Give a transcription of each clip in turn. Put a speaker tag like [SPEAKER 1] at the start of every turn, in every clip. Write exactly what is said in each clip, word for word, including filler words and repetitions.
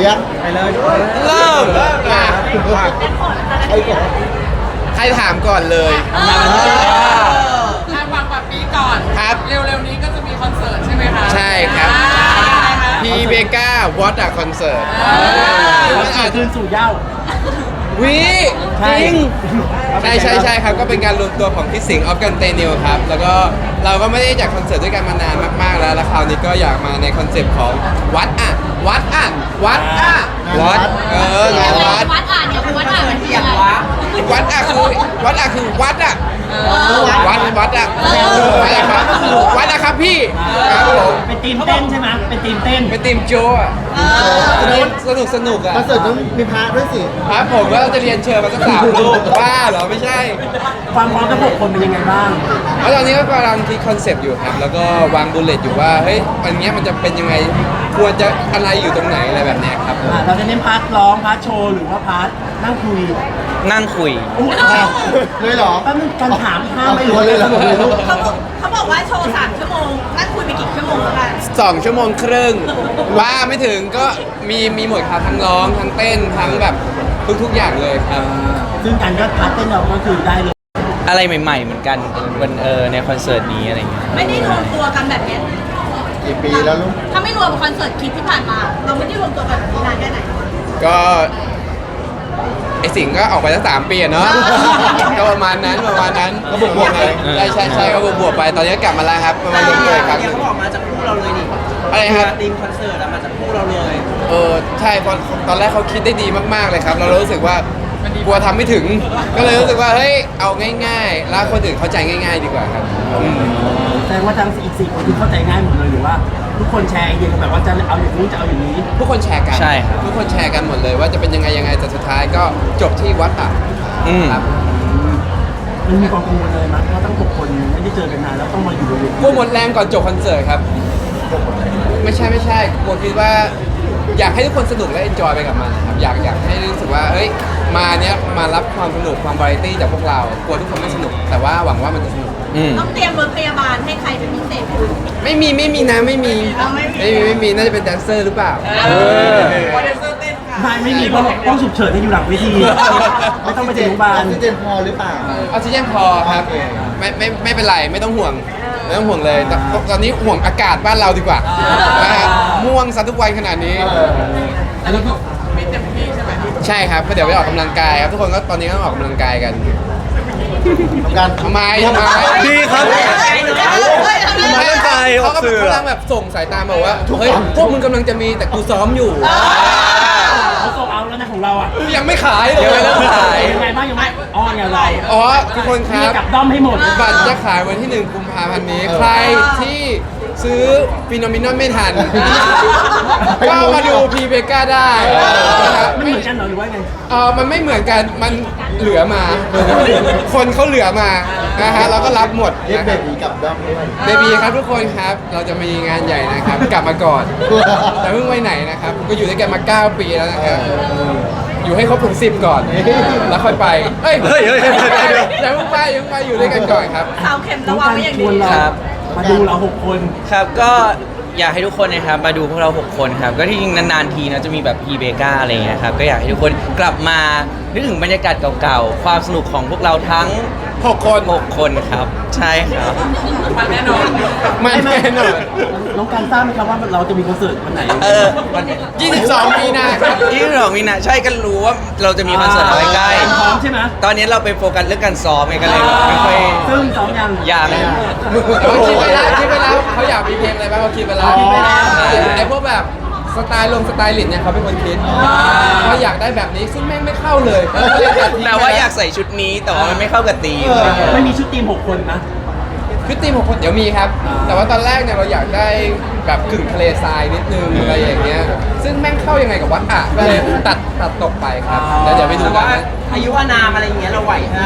[SPEAKER 1] ยังไปเลย
[SPEAKER 2] เริ่มมา
[SPEAKER 1] ใครก่อน
[SPEAKER 2] ใครถามก่อนเลย
[SPEAKER 3] ทางฝั่งแบบปีก่อน
[SPEAKER 2] ครับ
[SPEAKER 3] เร็วๆนี้ก็จะมีคอนเสิร์ตใช่ไหมคะ
[SPEAKER 2] ใช่ครับ
[SPEAKER 3] อ่าอะไรคะ
[SPEAKER 2] พีเบก้าวอตอะคอนเสิร์ต
[SPEAKER 1] คอนเสิร์ตคืนสู่เหย้า
[SPEAKER 2] วิ
[SPEAKER 1] ใช่
[SPEAKER 2] จริงใช่ใช่ใช่ครับก็เป็นการรวมตัวของพี่สิงห์ออฟกันเตนิวครับแล้วก็เราก็ไม่ได้จัดคอนเสิร์ตด้วยกันมานานมากๆแล้วแล้วคราวนี้ก็อยากมาในคอนเซปต์ของวัดอะวัดอะวัดอะวัดเอองานวัด
[SPEAKER 4] วัดอ่านเนี่ยวัดอ่านมันคืออะไร
[SPEAKER 2] วัดอะคือวัดอะคือวัดอะวัดวัดอะวัดอะครับวัดอะครับพี่ครับผม
[SPEAKER 1] เป็นทีมเต้นใช่ไหมเป็นทีมเต้น
[SPEAKER 2] เป็นทีมโจอะสนุกสนุกสนุกอะ
[SPEAKER 5] คอนเสิร์ตต้องมีพระด้วยสิ
[SPEAKER 2] ครับผมก็จะเรียนเชิญมาสักสามรูปบ้าเหรอไม่ใช่
[SPEAKER 1] ความพร้อมทั้งหกคนเป็นยังไงบ้าง
[SPEAKER 2] แล้วตอนนี้ก็กำลังคิดคอนเซปต์อยู่ครับแล้วก็วางบูลเลตอยู่ว่าเฮ้ยอันเนี้ยมันจะเป็นยังไงควรจะอะไรอยู่ตรงไหนอะไรแบบเนี้ยครับ
[SPEAKER 1] อ่าเราจะเน้นพาร์ทร้องพาร์ทโชว์หรือว่าพาร์ทนั่งคุย
[SPEAKER 6] นั่งคุย
[SPEAKER 1] อุ๊ย
[SPEAKER 5] เลยเหรอ
[SPEAKER 1] แป๊บนึงการถามห้าม
[SPEAKER 5] เอา
[SPEAKER 1] ไม่
[SPEAKER 5] ตั
[SPEAKER 1] รู้
[SPEAKER 5] วเลยเหรอ
[SPEAKER 4] เขาบอกเขาบอกว่าโชว์สามชั่วโมงนั่งคุยไปกี่ชั่วโมงแล้วกัน
[SPEAKER 2] สองชั่วโมงครึ่งว่าไม่ถึงก็มีมีหมดครับทั้งร้องทั้งเต้นทั้งแบบทุกๆอย่างเลยครับ
[SPEAKER 1] ซึ่งการก็พาร์ทเต้นเราก็คือได้เลย
[SPEAKER 6] อะไรใหม่ ๆ เหมือนกันวันเออในคอนเสิร์ตนี้อะไรเงี้ย
[SPEAKER 4] ไม่ได้รวมตัวกันแบบนี้
[SPEAKER 5] กี่ปีแล้วลูก
[SPEAKER 4] ถ้าไม่รวมคอนเสิร์ตคลิปที่ผ่านมา เราไม่ได้รวมตัวกันแบบนี้นานแค่ไหน
[SPEAKER 2] ก็ไอสิงห์ก็ออกไปตั้งสามปีอะเนาะก็ประมาณนั้นประมาณนั้นก็บวกบวกๆไปใช่ใช่ใช่ก็บวกบวกๆไปตอนนี้ก็กลับมาแล้วครับประมาณรวมตัวอีกครั้งหนึ่ง
[SPEAKER 7] เขาบอกมาจากคู่เราเลยนี่
[SPEAKER 2] อะไรครับ
[SPEAKER 7] ทีมคอนเสิร์ตอะมาจากคู่เราเลย
[SPEAKER 2] เออใช่เพราะตอนแรกเขาคิดได้ดีมากๆเลยครับ เรารู้สึกว่ากลัวทำไม่ถึง ก็เลยรู้สึกว่าเฮ้ยเอาง่ายๆ แล้วคนอื่นเข้าใจง่าย ๆ ดีกว่าครับอืม
[SPEAKER 1] แสดงว่าทั้งอีกสี่คนที่เข้าใจง่ายหมดเลยหรือว่า ทุกคนแชร์ไอเดียกันแบบว่าจะเอาอย่างนี้จะเอาอย่างนี้
[SPEAKER 2] ทุกคนแชร์กัน
[SPEAKER 6] ใช่ครับ
[SPEAKER 2] ทุกคนแชร์กันหมดเลยว่าจะเป็นยังไงยังไงแต่สุดท้ายก็จบที่วัดอ่ะ
[SPEAKER 6] อืม
[SPEAKER 2] ครับ
[SPEAKER 1] มันมีความกังวลเลยมั้ยเพราะทั้งหกคนไม่ได้เจอกันนานแล้วต้องมาอยู่บนเวที
[SPEAKER 2] กลัวหมดแรงก่อนจบคอนเสิร์ตครับ ไม่ใช่ไม่ใช่กลัวคิดว่าอยากให้ทุกคนสนุกและเอนจอยไปกับมันนะครับอยากอยากให้รู้สึกว่าเฮ้ยมาเนี้ยมารับความสนุกความวาไรตี้จากพวกเรากลัวทุกคนไม่สนุก แต่ว่าหวังว่ามันจะสนุก
[SPEAKER 6] อืม
[SPEAKER 4] ต้องเตรียมรถพยาบาลให้ใครเป็นพิเศษไหม
[SPEAKER 2] ไม่มีไม่มีนะไม่มี
[SPEAKER 4] เอาไม่มี
[SPEAKER 2] ไม่มีไม่มีน่าจะเป็นแดนเซอร์หรือเปล่าเออ
[SPEAKER 3] โปรดิวเซอร์เต้นค่ะ
[SPEAKER 1] ไม่ไม่มีเพราะต้องฉุกเฉินให้อยู่หลังเวทีไม่ต้องไปถึงโรงพยาบา
[SPEAKER 5] อ
[SPEAKER 1] ล
[SPEAKER 5] อกซิเจนพอหรือเปล่า
[SPEAKER 2] ออกซิเจนพอครับ
[SPEAKER 5] โอเค
[SPEAKER 2] ไม่ไม่ไม่เป็นไรไม่ต้องห่วงไม่ต้องห่วงเลยตอนตอนนี้ห่วงอากาศบ้านเราดีกว่านะฮะม่วงซะทุกวันขนาดนี้
[SPEAKER 3] แต่เราก็มีเต็มที่ใช่ไหม
[SPEAKER 2] ใช่ครับก็เดี๋ยวไปออกกำลังกายครับทุกคนก็ตอนนี้ก็ออกกำลังกายกัน
[SPEAKER 5] ทำการ
[SPEAKER 2] ทำไมทำไม
[SPEAKER 6] ดีครับ
[SPEAKER 2] ไม่
[SPEAKER 6] ร่างกายอ
[SPEAKER 2] เขา
[SPEAKER 6] อก
[SPEAKER 2] ก็
[SPEAKER 6] สื่อ
[SPEAKER 2] กำลังแบบส่งสายตามาว่าเฮ้ยพวกมึงกำลังจะมีแต่กูซ้อมอยู่
[SPEAKER 1] เขาโซเอาแล้วนะของเราอ่ะ
[SPEAKER 2] ยังไม่ขายเลย
[SPEAKER 6] ยังไม่เริ่มขาย
[SPEAKER 1] ยังไงบ้างยังไงอ้อนอย่างไร
[SPEAKER 2] อ๋อทุกคนค
[SPEAKER 1] มี
[SPEAKER 2] รับ
[SPEAKER 1] กับด้อมให้หมด
[SPEAKER 2] บัตรจะขายวันที่หนึ่งกุมภาพันธ์นี้ ใครที่ซื้อฟิโนมินอนไม่ทัน ก็มาดูพีเบก้าได้นะครับ
[SPEAKER 1] ไม่เหมือนกันเหรอหรือว่าไง
[SPEAKER 2] เออมันไม่เหมือนกัน มันเหลือมา คนเขาเหลือมานะฮะเราก็รับหมด
[SPEAKER 5] เรียก
[SPEAKER 2] นะ
[SPEAKER 5] เบ
[SPEAKER 2] ครับ
[SPEAKER 5] บีกลับด้อมด้วย
[SPEAKER 2] เบบีครับทุกคนครับ เราจะมีงานใหญ่นะครับ กลับมาก่อน แต่เพิ่งไปไหนนะครับ ก็อยู่ด้วยกันมาเก้าปีแล้วนะครับ อยู่ให้ครบถึงสิบก่อน แล้วค่อยไป เฮ้ย
[SPEAKER 6] เฮ้ยเฮ้ยเฮ้ยเฮ้ยเฮ้ย
[SPEAKER 2] อย่าเพิ่งไปอย่าเพิ่งไปอยู่ด้วยกันก่อนครับ
[SPEAKER 4] เสาเข็ม
[SPEAKER 1] น้
[SPEAKER 4] ระ
[SPEAKER 1] อง
[SPEAKER 4] วัง
[SPEAKER 1] การ
[SPEAKER 4] ไว้อย่าง
[SPEAKER 1] ช
[SPEAKER 4] ดี
[SPEAKER 1] วนเรา
[SPEAKER 6] ครับ
[SPEAKER 1] มาดูเราหกคน
[SPEAKER 6] ครับก็อยากให้ทุกคนนะครับมาดูพวกเราหกคนครับก็ที่จริงนานๆทีนะจะมีแบบพีเบกาอะไรเงี้ยครับก็อยากให้ทุกคนกลับมานึกถึงบรรยากาศเก่าๆความสนุกของพวกเราทั้ง
[SPEAKER 2] หกคน
[SPEAKER 6] หกคนครับ ใช่ครับ
[SPEAKER 3] มันแน่นอน
[SPEAKER 2] ไม่แน่นอน
[SPEAKER 1] น้องการทราบไหมครับว่าเราจะมีคอนเสิร์ตวันไหน
[SPEAKER 6] เออวัน
[SPEAKER 2] ยี่สิบสองมีนาครับ
[SPEAKER 6] ยี่สิบสองมีนาใช่กันรู้ว่าเราจะมีคอนเสิร์ตเอาไว้ใกล้
[SPEAKER 1] พร้อมใช่ไหม
[SPEAKER 6] ตอนนี้เราไปโฟกัสเรื่องการซ้อมไงกันเลยไม่ค่อย
[SPEAKER 1] ซึ่งซ้อมยัง
[SPEAKER 6] ยัง
[SPEAKER 2] เขาคิดไปแล้วคิดไปแล้วเขาอยากมีเพลงอะไรบ้างเขาคิดไปแล้ว
[SPEAKER 1] คิดไปแล้ว
[SPEAKER 2] ไอ้พวกแบบสไตล์ลงสไตล์ลินเนี่ยเขาเป็นคนคิดเขาอยากได้แบบนี้ซึ่งแม่งไม่เข้าเลยเขก็เลยตัดทิ้ง
[SPEAKER 6] แต่ว่าอยากใส่ชุดนี้แต่ว่ามันไม่เข้ากับธีม
[SPEAKER 1] ไม่มีชุดทีมหกคนนะ
[SPEAKER 2] คือทีมของคนเดี๋ยวมีครับ แต่ว่าตอนแรกเนี่ยเราอยากได้แบบกึ่งทะเลทรายนิดนึงอะไรอย่างเงี้ยซึ่งแม่งเข้ายังไงกับวัดอ่ะก็เลยตัดตัดตกไปครับแล้วเดี๋ยวไปดู
[SPEAKER 7] แต่
[SPEAKER 2] กั
[SPEAKER 7] ว่าน
[SPEAKER 2] นะ
[SPEAKER 7] อายุอานามอะไรอย่างเงี้ยเราไหวฮะ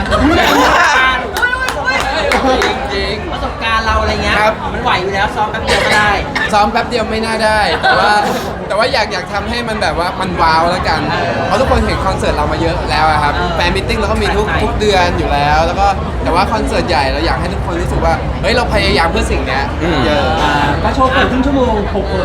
[SPEAKER 2] จริงจริง
[SPEAKER 7] ประสบการณ์เราอะไรเงี้ย
[SPEAKER 2] ครับ
[SPEAKER 7] มันไหวอยู่แล้วซ้อมแป๊บเดียวก็ได้
[SPEAKER 2] ซ้อมแป๊บเดียวไม่น่าได้ แต่ว่าแต่ว่าอยากอยากทำให้มันแบบว่ามันว้าวแล้วกัน เพราะทุกคนเห็นคอนเสิร์ตเรามาเยอะแล้วอะครับ
[SPEAKER 7] เออ
[SPEAKER 2] แฟนมิทติ้งเราก็มีทุก
[SPEAKER 7] ไหนๆ
[SPEAKER 2] ทุกเดือนอยู่แล้ว แล้วก็แต่ว่าคอนเสิร์ตใหญ่เราอยากให้ทุกคนรู้สึกว่าเฮ้ยเราพยายามเพื่อสิ่งเนี้ยเยอะ
[SPEAKER 1] อ่าก็โชว์เปิดครึ่งชั่วโมงหกคน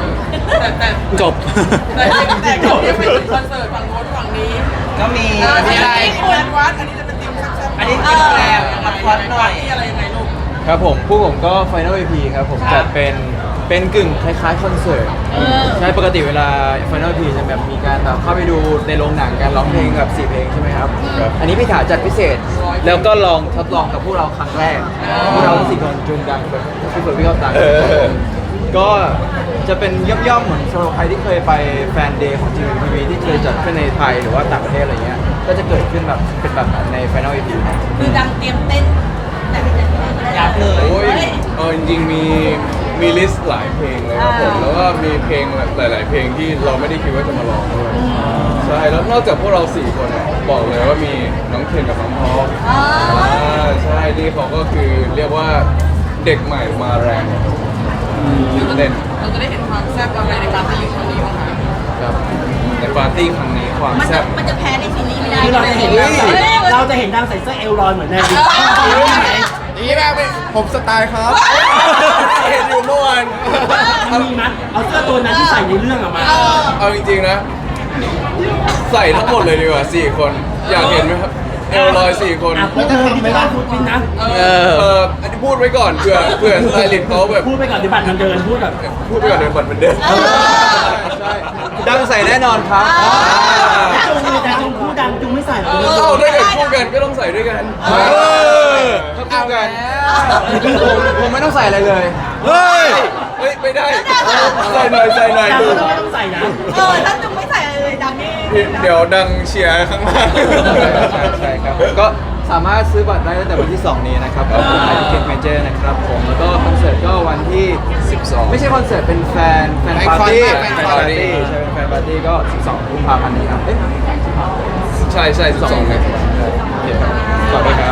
[SPEAKER 3] แต่แต่
[SPEAKER 8] จบ
[SPEAKER 3] แต่แต่ก็ยังไม่ถึงคอนเสิร์ตฝั่งโน้นฝั่งนี้
[SPEAKER 7] ก็มี
[SPEAKER 3] เออ
[SPEAKER 7] มี
[SPEAKER 3] ที่
[SPEAKER 7] อะไร
[SPEAKER 3] คุณวัดอันนี้จะเป็นทีมแซ่บๆ
[SPEAKER 7] อันนี้เป็นแรมละครหน่อย
[SPEAKER 3] ที่อะไรยังไงลูก
[SPEAKER 8] ครับผมผู้ผมก็ Final อี พี ครับผม
[SPEAKER 3] ครั
[SPEAKER 8] จั
[SPEAKER 3] บ
[SPEAKER 8] ดเป็นเป็นกึ่งคล้ายๆคอนเสิร์ตใช่ปกติเวลา Final อี พี จะแบบมีการแบบเข้าไปดูในโรงหนังการร้องเพลงแบบสี่เพลงใช่ไหมครับ อันนี้พี่ถาจัดพิเศษ แล้วก็ลองทดลองกับพวกเราครั้งแรกพวกเราสี่คนจุงดังแบบพี่เฟิร์นพี่เข้าตังก็จะเป็นย่อมๆเหมือนสำหรับใครที่เคยไปแฟนเดย์ของ จี วี ที วี ที่เคยจัดขึ้นในไทยหรือว่าต่างประเทศอะไรเงี้ยก็จะเกิดขึ้นแบบเป็นแบบนั้นใน Final อี พี
[SPEAKER 4] คือดังเตรียมเต้นแต่ไม่ได้
[SPEAKER 7] ยับเลย
[SPEAKER 9] โอ้ยเออจริงๆมีมีลิสต์หลายเพลงเลยครับผมแล้วก็มีเพลงหลาย ๆ เพลงที่เราไม่ได้คิดว่าจะมาร้องด้วยใช่แล้วนอกจากพวกเราสี่คนอะบอกเลยว่ามีน้องเคนกับน้องพอลอ่าใช่นี่เขาก็คือเรียกว่าเด็กใหม่มาแรงตื่นเต้น
[SPEAKER 3] เราจะได้เห็นความแซ่บอะไรในการที่อยู่ตรงนี้บ้างคะ
[SPEAKER 9] ครับในปาร์ตี้ครั้งนี้ความ
[SPEAKER 4] มัน
[SPEAKER 9] แซ่
[SPEAKER 4] จะ
[SPEAKER 9] บ
[SPEAKER 4] มันจะแพ้ในซีรีส์ไม่ได้
[SPEAKER 1] คือเราจะเห็นดังใส่เราจะเห็นดังใส่เสื้อเอลลอยเหมือนในดิสนีย์
[SPEAKER 9] นี่แม่ไม่ผมสไตล์ครับเห็นอยู่เมื่อวาน
[SPEAKER 1] มีมั้ยเอาเสื้อตัวนั้นที่ใส่ในเรื่องออกมา
[SPEAKER 9] เอาจริงๆนะ ใส่ทั้งหมดเลยดีกว่าสี่คน อยากเห็นไหมครับเอลลอยสี่คน
[SPEAKER 1] อ่ะพูดเลยดิบ้านพูดจริงนะ
[SPEAKER 8] เออ
[SPEAKER 9] เอออันนี้พูดไว้ก่อนเผื่อเผื่อสไตลิสต์เขาแบบ
[SPEAKER 1] พูดไปก่อนเดี๋ยวบัตรมันเดินพูดแบบ
[SPEAKER 9] พูดไปก่อนเดี๋ยวบัตรมันเดินใช่
[SPEAKER 8] ดังใส่แน่นอนครับ
[SPEAKER 1] จุงเลยแต่จุงพูดดังจุงไม่ใส่หรอก
[SPEAKER 9] เอ้าถ้าเกิดคู่กันก็ต้องใส่ด้วยกัน
[SPEAKER 8] เออ
[SPEAKER 9] ถ้าคู่กัน
[SPEAKER 8] ผมไม่ต้องใส่อะไรเลย
[SPEAKER 9] เฮ้ยเฮ้ยไม่ได้ใส่หน่อยใส่หน่อย
[SPEAKER 1] ดังก็ไม่ต้องใส่นะ
[SPEAKER 4] เออถ้าจุงไม่ใส่อะไรเลยดังนี่
[SPEAKER 9] เดี๋ยวดังเชียร์ข้างล่าง
[SPEAKER 8] ใช่ครับก็สามารถซื้อบัตรได้ตั้งแต่วันที่ สอง นี้นะครับกับไทยทิเก็ตเมเจอร์นะครับผมแล้วก็คอนเสิร์ตก็วันที่
[SPEAKER 9] สิบสอง
[SPEAKER 8] ไม่ใช่คอนเสิร์ตเป็นแฟนแฟน
[SPEAKER 9] แฟน
[SPEAKER 8] ปาร์ตี้
[SPEAKER 9] แฟนปาร์ตี้
[SPEAKER 8] ใช่เป็นแฟนปาร์ตี้ก็ สิบสอง กุมภาพันธ์นี้ครับเอ๊ะ
[SPEAKER 9] ใช่ใช่สิบสองเลย
[SPEAKER 8] โอเคครับขอบคุณครับ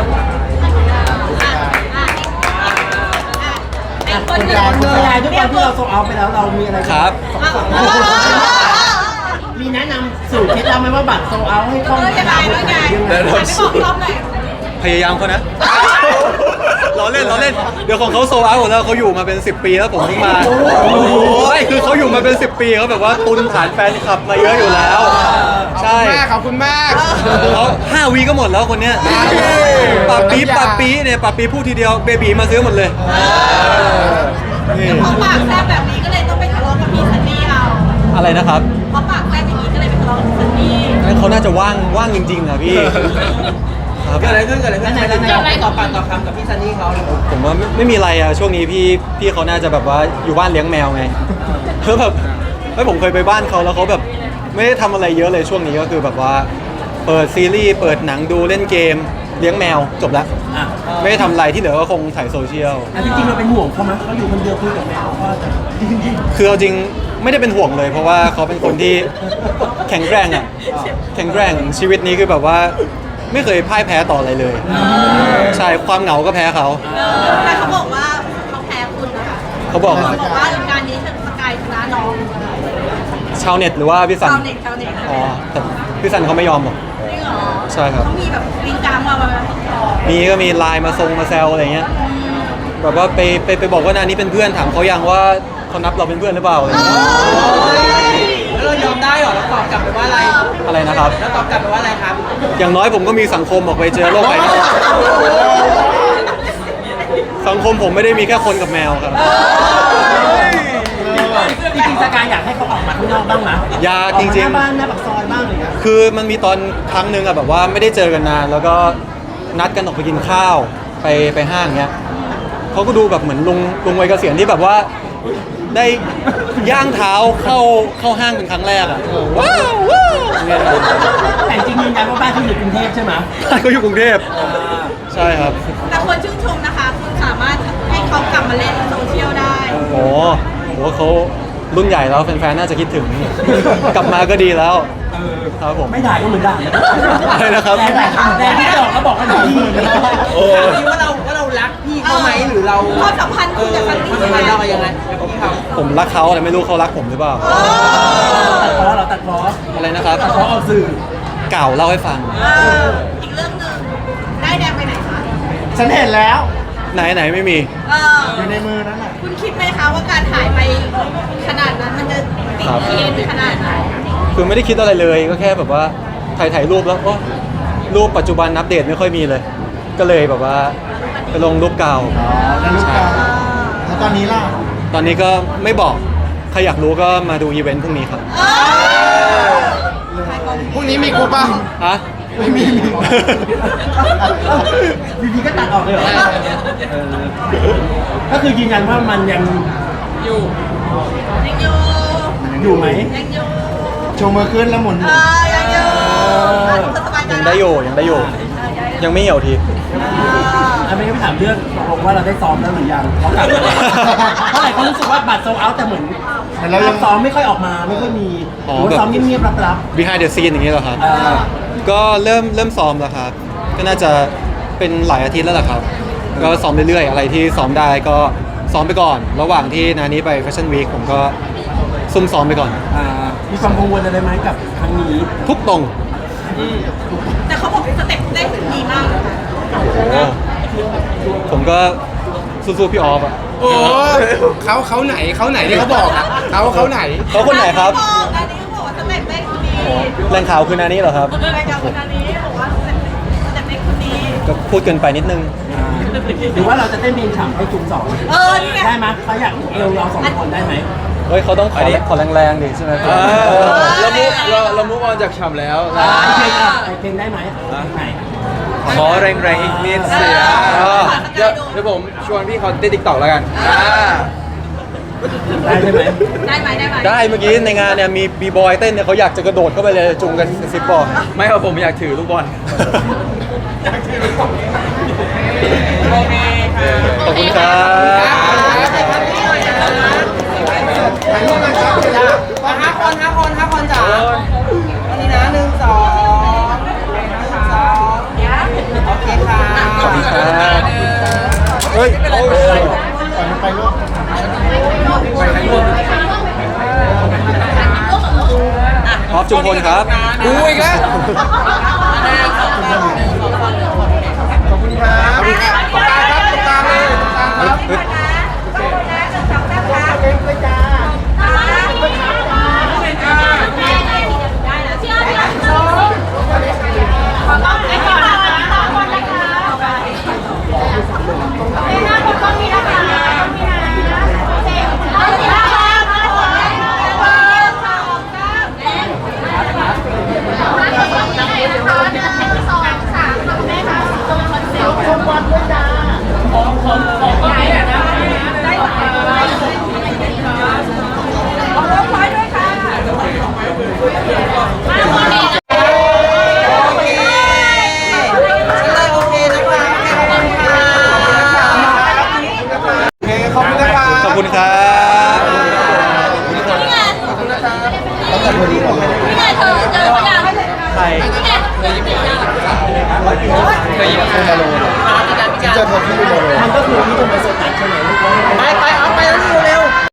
[SPEAKER 4] ไอ้คน
[SPEAKER 1] คุณ
[SPEAKER 4] หนึ่ง
[SPEAKER 1] ยายคุณยายด้วยความที่เราโซเอาไปแล้วเรามีอะไร
[SPEAKER 8] ครับ
[SPEAKER 1] มีแนะนำสูตรเคล็ดลับไหมว่าบัตรโซเอาให้คล่อง
[SPEAKER 4] เออยังไงแล้วไง
[SPEAKER 9] แนะนำ
[SPEAKER 4] ไม่บอกรอบหน่อย
[SPEAKER 8] พยายามเขานะ เราเล่นเราเล่น เดี๋ยวของเขาโซลเอาท์หมดแล้วเขาอยู่มาเป็น สิบ ปีแล้วผมเพิ่งมาใช่คือเขาอยู่มาเป็น สิบ ปีเขาแบบว่าตุนฐานแฟนคลับมาเยอะอยู่แล้ว ใช่
[SPEAKER 9] ขอบคุณมาก
[SPEAKER 8] เขาห้าวีก็หมดแล้วคนเนี้ยปาปีปาปีเนี่ยปาปีพูดทีเดียวเบบีมาซื้อหมดเลยนี่
[SPEAKER 4] พอปากแซ่บแบบนี้ก็เลยต้องไปทะเลาะกับพี่ซันนี่เอา
[SPEAKER 8] อะไรนะครับ
[SPEAKER 4] พอปากแซ่บอย่างนี้ก็เลยไปทะเลาะกับพี่ซันนี่
[SPEAKER 8] งั้นเขาน่าจะว่างว่างจริงๆอ่ะพี่ครับ
[SPEAKER 7] เกิดอะไรขึ้นเกิดอะไรขึ้นเกิดอะไรต่อปากต่อคำกับพี่ซันนี่เขา
[SPEAKER 8] ผมว่าไม่ไม่มีอะไรอ่ะช่วงนี้พี่พี่เขาน่าจะแบบว่าอยู่บ้านเลี้ยงแมวไงเพื่อแบบเฮ้ยผมเคยไปบ้านเขาแล้วเขาแบบไม่ได้ทำอะไรเยอะเลยช่วงนี้ก็คือแบบว่าเปิดซีรีส์เปิดหนังดูเล่นเกมเลี้ยงแมวจบแล้ว
[SPEAKER 1] อ่ะ
[SPEAKER 8] ไม่ได้ทำอะไรที่เหลือก็คงถ่ายโซเชียล
[SPEAKER 1] อันที่จริงเราเป็นห่วงเขาไหมเขาอยู่คนเดียวคุยกับแมวก็จะ
[SPEAKER 8] คือเอาจริงไม่ได้เป็นห่วงเลย เพราะว่าเขาเป็นคนที่แข็งแกร่งอ่ะแข็งแกร่งชีวิตนี้คือแบบว่าไม่เคยพ่ายแพ้ต่ออะไรเลยใช่ความเหงาก็แพ้เขา
[SPEAKER 4] แต่เขาบอกว่าเขาแพ้คุณนะคะ
[SPEAKER 8] เขาบอก
[SPEAKER 4] เขาบอกว่างานนี้สกายชนะน้อง
[SPEAKER 8] ชาวเน็ตหรือว่าพี่สัน
[SPEAKER 4] ชาวเน็ตชาวเน็ต
[SPEAKER 8] อ๋อแต่พี่สันเขาไม่ยอมหรอก
[SPEAKER 4] จริงเหรอ
[SPEAKER 8] ใช่ครับ
[SPEAKER 4] เขามีแบบวิงกลางมาแบบ
[SPEAKER 8] มีก็มีไลน์มาทรงมาแซวอะไรเงี้ยแบบว่าไปไปไปบอกว่านานนี้เป็นเพื่อนถามเขายังว่าเขานับเราเป็นเพื่อนหรือเปล่าอะไรเงี้ย
[SPEAKER 7] แล้วเรายอมได้เหรอแล้วตอบกลับไปว่าอะไร
[SPEAKER 8] อะไรนะครับ
[SPEAKER 7] แล้วตอบกลับไปว่าอะไรครับ
[SPEAKER 8] อย่างน้อยผมก็มีสังคมออกไปเจอโลกภายนอกสังคมผมไม่ได้มีแค่คนกับแมวครับ
[SPEAKER 1] จริงๆสกายอยากให้เขาออกมาข้างนอกบ้างนะ
[SPEAKER 8] อยากจริงๆ
[SPEAKER 1] ออกมาหน้าบ้านหน้าปากซอยบ้างเลยนะ
[SPEAKER 8] คือมันมีตอนครั้งหนึ่งอะแบบว่าไม่ได้เจอกันนาน แล้วก็นัดกันออกไปกินข้าวไปไปห้างเงี้ยเขาก็ดูแบบเหมือนลุงลุงวัยเกษียณที่แบบว่าได้ย่างเท้าเข้าเข้าห้างเป็นครั้งแรกอะว้าวว้าวเนี่ย
[SPEAKER 1] แต่จริงๆยืนยันว่าบ้านเขาอยู่กรุงเทพใช่ไหม
[SPEAKER 8] เขาอยู่กรุงเทพใช่ครับ
[SPEAKER 4] แต่คนชื่นชมนะคะ คุณสามารถให้เขากลับมาเล่นโซเชียลได้
[SPEAKER 8] โอ้โหเขารุ่นใหญ่แล้วแฟนๆน่าจะคิดถึง กลับมาก็ดีแล้ว
[SPEAKER 1] เออ
[SPEAKER 8] ครับผม
[SPEAKER 1] ไม่ด่าก็เหมือนด่านะ
[SPEAKER 8] อะไรนะครับ
[SPEAKER 1] แต่แต่ที่บอกเขาบอกกันดี
[SPEAKER 8] โอ้
[SPEAKER 7] ถามพี่ว่าเราว่าเรารักพี่เขาไหมหรือเรา
[SPEAKER 4] ความสัมพันธ์คุณกับซันนี่
[SPEAKER 7] มันเป็นเรายังไงกับพี่เขา
[SPEAKER 8] ผมรักเขาแต่ไม่รู้เขารักผมหรือเปล่า
[SPEAKER 1] ตัดพ้อเหราตัดพ้อ
[SPEAKER 8] อะไรนะครับ
[SPEAKER 1] ตัดพ้อออกสื่อ
[SPEAKER 8] เก่าเล่าให้ฟัง
[SPEAKER 4] เอออีกเรื่องหนึ่งได้แดงไปไหนคะ
[SPEAKER 5] ฉันเห็นแล้ว
[SPEAKER 8] ไหนไหนไม่มี
[SPEAKER 4] เออ
[SPEAKER 5] อยู่ในมือนั่นแหละ
[SPEAKER 4] คุณคิดไหมคะว่าการหายไปขนาดนั้นมันจะ
[SPEAKER 10] คือไม่ได้คิดอะไรเลยก็แค่แบบว่าถ่ายถ่ายรูปแล้วโอ้รูปปัจจุบันอัปเดตไม่ค่อยมีเลย ก็เลยแบบว่าไปลงรูปเก่า
[SPEAKER 5] แล้วลูกกาแล้วตอนนี้ล่ะ
[SPEAKER 10] ตอนนี้ก็ไม่บอกใครอยากรู้ก็มาดูอีเวนต์พรุ่งนี้ครับ
[SPEAKER 2] พรุ่งนี้มีกูป่ะ
[SPEAKER 10] ฮะ
[SPEAKER 5] ไม่มี
[SPEAKER 1] อยู่ดีก็ตัดออกเลยเหรอเออก็คือยืนยันว่ามันยัง
[SPEAKER 3] อยู่
[SPEAKER 4] ยังอยู่
[SPEAKER 1] อยู่ไหม
[SPEAKER 4] ยังอยู่
[SPEAKER 5] โชว์มือขึ้นแล้วหมุน
[SPEAKER 4] เออยังอยู่อ่ะสบายใจ
[SPEAKER 10] ยัง
[SPEAKER 4] นะ
[SPEAKER 10] ได้อยู่ยังได้อยู่ ยังไม่เหี่ยวที
[SPEAKER 1] อันนี้ไม่ถามเรื่องตกลงว่าเราได้ซ้อมแล้วหรือยังเขากลับมาเพราะหลายคนรู้สึกว่าบัตรโซลเอาท์แต่เหมือน
[SPEAKER 5] แต่เรายัง
[SPEAKER 1] ซ้อมไม่ค่อยออกมาไม่ค่อยมีห
[SPEAKER 10] อ๋อ
[SPEAKER 1] รือว่า
[SPEAKER 10] แบบ
[SPEAKER 1] ซ้อมเงียบๆลับ
[SPEAKER 10] behind the scene อย่างนี้เหรอครับ
[SPEAKER 1] ๆเออ
[SPEAKER 10] ก็เริ่มเริ่มซ้อมแล้วครับ ก็น่าจะเป็นหลายอาทิตย์แล้วแหละครับ ก็ซ้อมเรื่อยๆ อะไรที่ซ้อมได้ก็ซ้อมไปก่อน ระหว่างที่นานี้ไปแฟชั่นวีคผมก็ซุ่มซ้อมไปก่อน
[SPEAKER 1] อ่ามีความกังวลอะไรไหมกับครั้งนี้
[SPEAKER 10] ทุกตรง
[SPEAKER 4] แต่เขาบอกสเต็ปเต้นดีมากเลยค่ะ
[SPEAKER 10] โอ้ผมก็สู้ๆพี่ออฟอะ
[SPEAKER 2] โอ้เขาเขาไหนเขาไหนที่เขาบอกอะเขาเขาไหน
[SPEAKER 10] เขาคนไหนครับ
[SPEAKER 4] บอกอันนี้เขาบอกว่าสเต็ปเต้นดี
[SPEAKER 10] แรงข่าวคือนานี้เหรอครับ
[SPEAKER 4] รายการคนนี้บอกว่าสเต็ปสเต็ปเต้นคนนี้
[SPEAKER 10] ก็พูดเกินไปนิดนึง
[SPEAKER 1] อ่าหรือว่าเราจะเต้นเพลงฉ่ำให้จุ่มสอง
[SPEAKER 4] เออนี่ไง
[SPEAKER 1] ได้ไหมเขาอยากเอวเราสองคนได้ไหม
[SPEAKER 10] เฮ้ยเขาต้องขอขอแรงๆดิใช่ไหม
[SPEAKER 8] เออเรามุกเราเรามุกออนจากฉ่ำแล้ว
[SPEAKER 1] ไอเพลงอะไอเพลงได้ไหมไหน
[SPEAKER 8] ขอแรงๆอีกนิดเสียเดี๋ยวเดี๋ยวผมชวนพี่เขาเต้นติ๊กต็อกแล้วกัน
[SPEAKER 1] ได้ใช่ไหม
[SPEAKER 4] ได้ไหมได้ไหม
[SPEAKER 10] ได้เมื่อกี้ในงานเนี่ยมีบีบอยเต้นเนี่ยเขาอยากจะกระโดดเข้าไปเลยจุงกันสิบบอก
[SPEAKER 8] ไม่ครับผมอยากถือลูกบอล
[SPEAKER 3] โอเคค่ะ
[SPEAKER 10] ขอบคุณครับ
[SPEAKER 3] ห้าคนห้าคนห้าคนจ้าวันนี้นะหนึ่งสองหนึ่งสองโอเคค่ะ
[SPEAKER 10] ขอบคุณครับเฮ้ยโอ้ย
[SPEAKER 5] ก่อนมันไปลูก
[SPEAKER 10] ออฟจุมพลครับ
[SPEAKER 2] กูอีกแล้ว
[SPEAKER 5] ขอบคุณครับ
[SPEAKER 10] เฮ้ย
[SPEAKER 5] ขอบคุณนะคะ
[SPEAKER 10] ขอบคุณครับ
[SPEAKER 5] ต้องจัดวันนี้ก่อนเลย
[SPEAKER 4] นี่ไงเธอเจอเขายัง
[SPEAKER 10] ใคร
[SPEAKER 4] นี่ไงเธอยิ้มอีกแล้ว
[SPEAKER 10] เคยยินคุณมาโล
[SPEAKER 5] เจอเธอที่ดูโมโร
[SPEAKER 1] มันก็คือที่ตรงไปโซตัสใช่ไหม
[SPEAKER 3] ไปไปเอาไปแล้วเร็ว